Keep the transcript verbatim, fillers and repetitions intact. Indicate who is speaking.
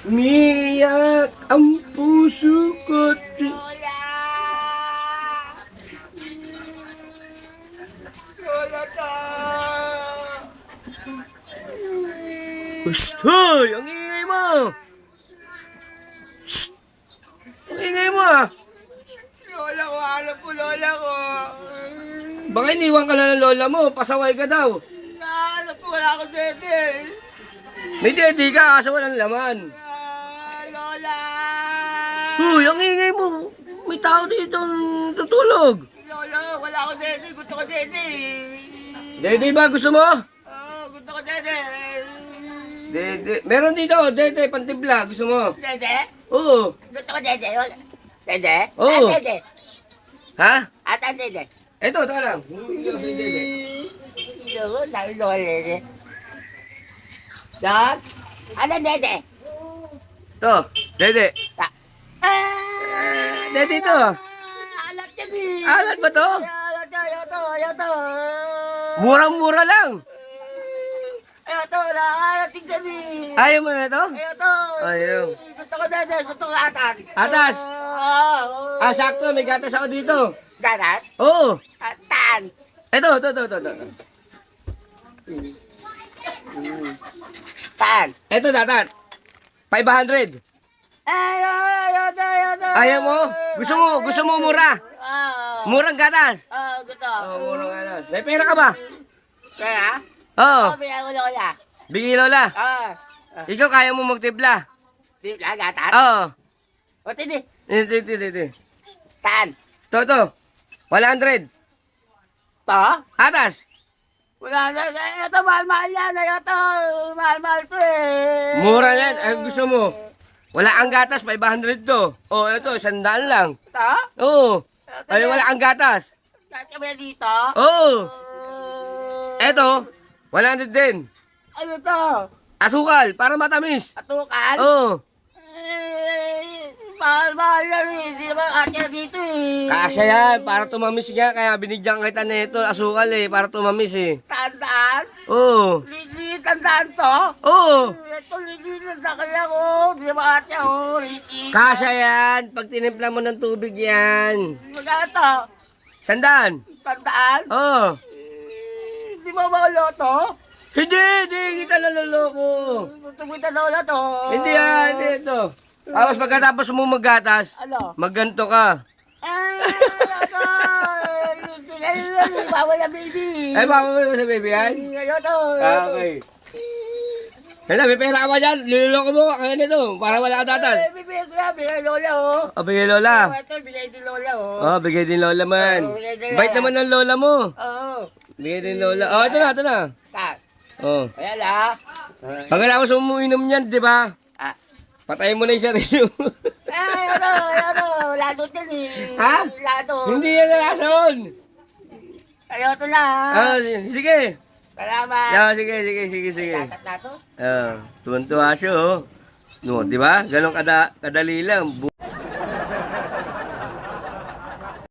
Speaker 1: Umiiyak ang puso ko.
Speaker 2: Lola! Lola ka!
Speaker 1: Hoy! Ang ingay mo! Shh! Ang ingay mo ah!
Speaker 2: Lola ko, hanap po lola ko.
Speaker 1: Baka iniwan ka na ng lola mo, pasaway ka daw.
Speaker 2: Nahanap po, wala akong dede.
Speaker 1: May daddy ka kaso walang laman.
Speaker 2: Ah, Lola!
Speaker 1: Hoy! Ang ingay mo! May tao dito tutulog.
Speaker 2: Lola, wala akong dede. Gusto ko dede.
Speaker 1: Dede ba gusto mo?
Speaker 2: Oh, gusto ko dede.
Speaker 1: Dede. Meron dito, dede, pantibla. Gusto mo?
Speaker 2: Dede?
Speaker 1: Oo.
Speaker 2: Gusto ko dede. Wala- Dede?
Speaker 1: Oo.
Speaker 2: Ah, dede.
Speaker 1: Ha?
Speaker 2: At ang dede.
Speaker 1: Eto, ito lang. Hindi ako sa'yo, dede.
Speaker 2: Lola, sabi lola dede. Dad? Ano dede?
Speaker 1: Ito, dede.
Speaker 2: Ah!
Speaker 1: Dede ito.
Speaker 2: Alat yan eh.
Speaker 1: Alat ba to?
Speaker 2: Alat yan, ayaw to, ayaw to.
Speaker 1: Murang-mura lang.
Speaker 2: Ayaw to, nakakalat yan eh.
Speaker 1: Ayaw mo na ito?
Speaker 2: Ayaw to.
Speaker 1: Ayaw.
Speaker 2: Gusto ko dede, gusto ko atas.
Speaker 1: Atas?
Speaker 2: Oo.
Speaker 1: Ah, sakto. May gatas ako dito.
Speaker 2: Ganas?
Speaker 1: Oo.
Speaker 2: Atan.
Speaker 1: Ito, ito, ito, ito. ito.
Speaker 2: Tan.
Speaker 1: Ito, datat. five hundred.
Speaker 2: Ayaw, ayaw to, ayaw to.
Speaker 1: Ayaw mo? Gusto mo, gusto mo mura.
Speaker 2: Oo.
Speaker 1: Murang gatas.
Speaker 2: Oo, gusto.
Speaker 1: Oo, murang gatas. May pera ka ba?
Speaker 2: Kaya?
Speaker 1: Oo.
Speaker 2: Oo, bigyan ko lola.
Speaker 1: Bigay lola.
Speaker 2: Oo.
Speaker 1: Ikaw kaya mo magtipla.
Speaker 2: Di ba, gatas?
Speaker 1: Oo.
Speaker 2: O, tindi.
Speaker 1: Ito, ito, ito, ito.
Speaker 2: Tan.
Speaker 1: Ito, ito. one hundred.
Speaker 2: To?
Speaker 1: Atas.
Speaker 2: Wala na, ito, mahal-mahal yan. Ayaw to. Mahal-mahal to eh.
Speaker 1: Mura yan. Ay, gusto mo. Wala ang gatas, five hundred to. Oh, ito, sandaan lang.
Speaker 2: To?
Speaker 1: Oo. Ay, wala ang gatas.
Speaker 2: Kaya dito?
Speaker 1: Oo.
Speaker 2: Uh,
Speaker 1: Ito, one hundred din.
Speaker 2: ano to?
Speaker 1: Asukal, para matamis.
Speaker 2: Atukan?
Speaker 1: Oo.
Speaker 2: Eh, mahal-mahal yan eh. Hindi naman akya dito eh.
Speaker 1: Kasya yan, para tumamis nga. Kaya binigyan kita na ito, asukal eh, para tumamis eh.
Speaker 2: Tandaan?
Speaker 1: Oo.
Speaker 2: Lili, tandaan to?
Speaker 1: Oo.
Speaker 2: Ito, lili, tandaan kaya ko. Hindi naman akya oh. Lili.
Speaker 1: Kasya yan, pag tinimpla mo ng tubig yan.
Speaker 2: Magkano to?
Speaker 1: Sandaan.
Speaker 2: Tandaan?
Speaker 1: Oo.
Speaker 2: Eh, Hindi mo mauloto?
Speaker 1: Hindi, hindi kita naloloko.
Speaker 2: Tumita na ulo to.
Speaker 1: Hindi yan, hindi ito. Tapos pagkatapos mo maggatas,
Speaker 2: Ano?
Speaker 1: magganto ka.
Speaker 2: Ay, ano? Hindi na yun. Bawal na baby.
Speaker 1: Ay, baka mo sa baby yan?
Speaker 2: Ayaw to.
Speaker 1: Ah, okay. Hala, may pera ka ba dyan? Niloloko mo, kaya nito, para wala ka datas.
Speaker 2: Eh, bibigay ko yan. Bigay lola oh.
Speaker 1: O, bigay lola.
Speaker 2: Oh, ito, bigay din lola oh.
Speaker 1: O, bigay din lola man.
Speaker 2: Oo, bigay din
Speaker 1: Bait
Speaker 2: lola.
Speaker 1: naman ng lola mo.
Speaker 2: Oo.
Speaker 1: Bigay din lola. O, ito na, ito na.
Speaker 2: Ta.
Speaker 1: O.
Speaker 2: Ayan ah.
Speaker 1: Pagkatapos mo uminom niyan, di ba?
Speaker 2: Ah.
Speaker 1: Patayin mo na yung sarili mo.
Speaker 2: Ay, ano, ano, lado din eh.
Speaker 1: Ha?
Speaker 2: Lado.
Speaker 1: Hindi yan nalason.
Speaker 2: Ayaw to na.
Speaker 1: Ah, sige.
Speaker 2: Salamat.
Speaker 1: Yeah, sige, sige, sige, sige.
Speaker 2: Tatat na to.
Speaker 1: Ah, tuwan-tuwa siya, oh. No, di ba? Ganon kada kadali lang.